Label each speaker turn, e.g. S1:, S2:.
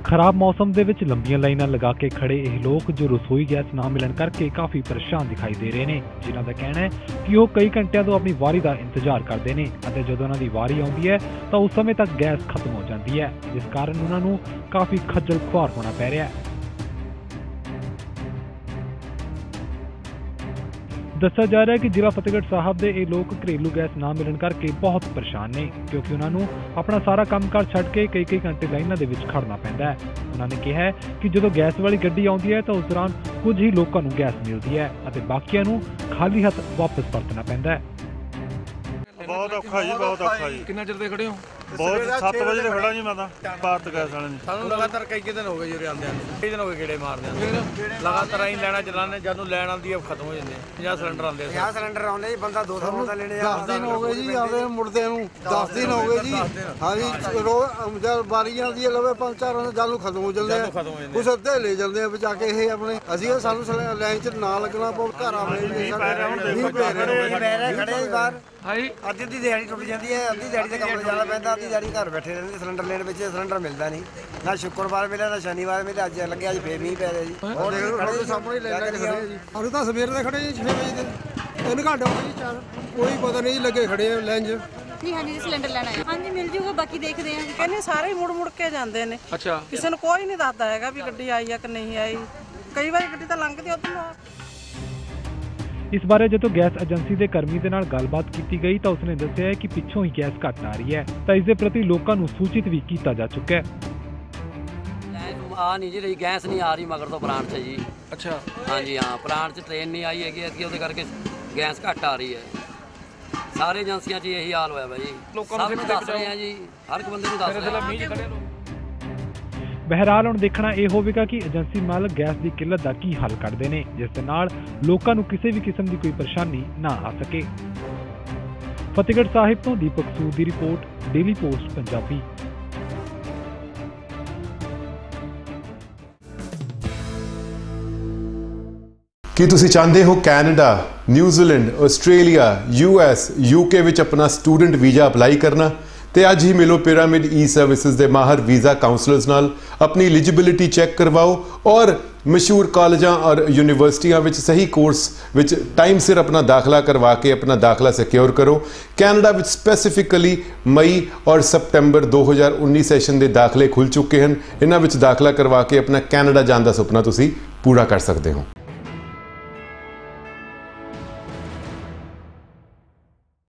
S1: खराब मौसम ਦੇ ਵਿੱਚ ਲੰਬੀਆਂ ਲਾਈਨਾਂ ਲਗਾ ਕੇ ਖੜੇ ਇਹ ਲੋਕ ਜੋ ਰਸੋਈ ਗੈਸ ਨਾ ਮਿਲਣ ਕਰਕੇ ਕਾਫੀ ਪਰੇਸ਼ਾਨ ਦਿਖਾਈ ਦੇ ਰਹੇ ਨੇ, ਜਿਨ੍ਹਾਂ ਦਾ ਕਹਿਣਾ ਹੈ ਕਿ ਉਹ ਕਈ ਘੰਟਿਆਂ ਤੋਂ ਆਪਣੀ ਵਾਰੀ ਦਾ ਇੰਤਜ਼ਾਰ ਕਰਦੇ ਨੇ ਅਤੇ ਜਦੋਂ ਉਹਨਾਂ ਦੀ ਵਾਰੀ ਆਉਂਦੀ ਹੈ ਤਾਂ ਉਸ ਸਮੇਂ ਤੱਕ ਗੈਸ ਖਤਮ ਹੋ ਜਾਂਦੀ ਹੈ, ਜਿਸ ਕਾਰਨ ਉਹਨਾਂ ਨੂੰ ਕਾਫੀ ਖੱਜਲ ਖੁਆਰ ਹੋਣਾ ਪੈ ਰਿਹਾ ਹੈ। ਦੱਸਿਆ ਜਾ ਰਿਹਾ है कि जिला फतेहगढ़ साहब के ये लोग घरेलू गैस ना मिलन करके बहुत परेशान ने, क्योंकि उन्होंने अपना सारा कामकाज छड्ड के कई घंटे लाइनां दे विच खड़ना पैंदा है। उन्होंने कहा है कि जो गैस वाली गड्डी आउंदी है तो उस दौरान कुछ ही लोगों को गैस मिलती है और बाकियां नूं खाली हथ वापस परतना पैंदा है।
S2: बहुत औखा जी, बहुत औखा जी।
S3: कितना चिर दे खड़े हो?
S2: बहुत 7 बजे से खड़ा जी मैं भारत गैस वाले ने।
S3: ਸਾਨੂੰ ਲਗਾਤਾਰ ਕਈ ਦਿਨ ਹੋ ਗਏ ਜੀ ਆਂਦੇ ਆਂਦੇ, ਕਈ ਦਿਨ ਹੋ ਗਏ ਗੇੜੇ ਮਾਰਦੇ ਆਂ। ਲਗਾਤਾਰ ਅਸੀਂ ਲੈਣਾ ਚਲਾਣੇ, ਜਦੋਂ ਲੈਣ ਆਉਂਦੀ ਆ ਖਤਮ ਹੋ ਜਾਂਦੇ ਆ। 50 ਸਿਲੰਡਰ ਆਉਂਦੇ ਆ।
S4: 50 ਸਿਲੰਡਰ ਆਉਂਦੇ ਜੀ, ਬੰਦਾ 200 ਦਾ ਲੈਣੇ ਆ।
S5: 10 ਦਿਨ ਹੋ ਗਏ ਜੀ ਆਵੇ ਮੁੜਦੇ ਨੂੰ, 10 ਦਿਨ ਹੋ ਗਏ ਜੀ। ਹਾਂਜੀ ਰੋਜ਼ ਜਦ ਵਾਰੀ ਆਉਂਦੀ ਹੈ ਲਵੇ 5-4 ਜਦ ਨੂੰ ਖਤਮ ਹੋ ਜਾਂਦੇ ਆ, ਕੁਛ ਅੱਧੇ ਲੈ ਜਾਂਦੇ ਆ ਬਚਾ ਕੇ ਇਹ ਆਪਣੇ। ਅਸੀਂ ਸਾਨੂੰ ਲਾਈਨ 'ਚ ਨਾ ਲੱਗਣਾ ਪਊ, ਘਰ ਆਵੇ ਨਹੀਂ ਖੜੇ ਬਾਹਰ।
S4: ਅੱਧੀ ਦੀ ਦਿਹਾੜੀ ਟੁੱਟ ਜਾਂਦੀ ਹੈ, ਅੱਧੀ ਦਿਹਾੜੀ ਤੇ ਕੰਮ ਜਾਣਾ ਪੈਂਦਾ, ਅੱਧੀ ਦਿਹਾੜੀ ਘਰ ਬੈਠੇ ਰਹਿੰਦੇ। ਸਿਲੰਡਰ ਲੈਣ ਵਿੱਚ ਸਿਲੰਡਰ ਮਿਲਦਾ ਨਹੀਂ, ਨਾ ਸ਼ੁੱਕਰਵਾਰ ਮਿਲਿਆ ਨਾ ਸ਼ਨੀਵਾਰ ਮਿਲਿਆ। ਅੱਜ ਲੱਗਿਆ ਅੱਜ ਫੇਰ ਮੀਂਹ ਪੈ ਰਿਹਾ ਜੀ।
S5: ਸਾਡੇ ਸਾਹਮਣੇ ਲੈ ਲੈ ਖੜੇ ਆ ਜੀ। ਅਸੀਂ ਤਾਂ ਸਵੇਰ ਦੇ ਖੜੇ ਜੀ 6 ਵਜੇ ਦੇ, 3 ਘੰਟੇ ਹੋ ਗਏ ਜੀ। 4 ਕੋਈ ਪਤਾ ਨਹੀਂ ਲੱਗੇ ਖੜੇ ਆ ਲਾਈਨ 'ਚ।
S6: ਨਹੀਂ ਹਾਂਜੀ ਸਿਲੰਡਰ ਲੈਣਾ ਹੈ। ਹਾਂਜੀ ਮਿਲ ਜੂਗਾ, ਬਾਕੀ ਦੇਖਦੇ ਆਂ।
S7: ਕਹਿੰਦੇ ਸਾਰੇ ਮੁੜ ਕੇ ਜਾਂਦੇ ਨੇ।
S3: ਅੱਛਾ,
S7: ਕਿਸੇ ਨੂੰ ਕੋਈ ਨਹੀਂ ਦੱਸਦਾ ਹੈਗਾ ਵੀ ਗੱਡੀ ਆਈ ਆ ਕਿ ਨਹੀਂ ਆਈ। ਕਈ ਵਾਰੀ ਗੱਡੀ ਤਾਂ ਲੰਘਦੀ ਉਧਰੋਂ।
S1: इस बारे जो गैस एजेंसी के कर्मी के नाल गलबात की गई तो उसने दस्सिया है कि पिछों ही गैस घट आ रही है, तो इसके प्रति लोगों को सूचित भी किया जा चुका है।
S8: आ नहीं जी रही गैस नहीं आ रही मगर तो प्लांट से जी।
S3: अच्छा
S8: हाँ जी, हाँ प्लांट से ट्रेन नहीं आई है, वो करके गैस घट आ रही है। सारे एजेंसियां च यही हाल होया भाई, सब नूं दस रहे हैं जी, हर एक बंदे नूं दस रहे हैं।
S1: बहरहाल हुण देखना यह होगा कि एजेंसी मालक गैस की किल्लत का की हल करते हैं, जिस दे नाल लोकां नूं किसी भी किस्म की कोई परेशानी ना आ सके। फतेहगढ़ साहिब तो दीपक सूद की रिपोर्ट, डेली पोस्ट पंजाबी।
S9: ਕੀ ਤੁਸੀਂ ਚਾਹੁੰਦੇ ਹੋ Canada, New Zealand, Australia, US, UK ਵਿੱਚ ਆਪਣਾ ਸਟੂਡੈਂਟ ਵੀਜ਼ਾ ਅਪਲਾਈ ਕਰਨਾ? ਤੇ ਅੱਜ ਹੀ ਮਿਲੋ ਪਿਰਾਮਿਡ ਈ-ਸਰਵਿਸਿਜ਼ ਦੇ ਮਾਹਰ ਵੀਜ਼ਾ ਕਾਉਂਸਲਰਸ ਨਾਲ, ਆਪਣੀ ਐਲੀਜੀਬਿਲਿਟੀ ਚੈੱਕ ਕਰਵਾਓ ਔਰ ਮਸ਼ਹੂਰ ਕਾਲਜਾਂ ਔਰ ਯੂਨੀਵਰਸਿਟੀਆਂ ਵਿੱਚ ਸਹੀ ਕੋਰਸ ਵਿੱਚ ਟਾਈਮ ਸਿਰ ਆਪਣਾ ਦਾਖਲਾ ਕਰਵਾ ਕੇ ਆਪਣਾ ਦਾਖਲਾ ਸਿਕਿਉਰ ਕਰੋ। ਕੈਨੇਡਾ ਵਿੱਚ ਸਪੈਸੀਫਿਕਲੀ ਮਈ ਔਰ ਸਤੰਬਰ 2019 ਸੈਸ਼ਨ ਦੇ ਦਾਖਲੇ ਖੁੱਲ੍ਹ ਚੁੱਕੇ ਹਨ। ਇਹਨਾਂ ਵਿੱਚ ਦਾਖਲਾ ਕਰਵਾ ਕੇ ਆਪਣਾ ਕੈਨੇਡਾ ਜਾਣ ਦਾ ਸੁਪਨਾ ਤੁਸੀਂ ਪੂਰਾ ਕਰ ਸਕਦੇ ਹੋ।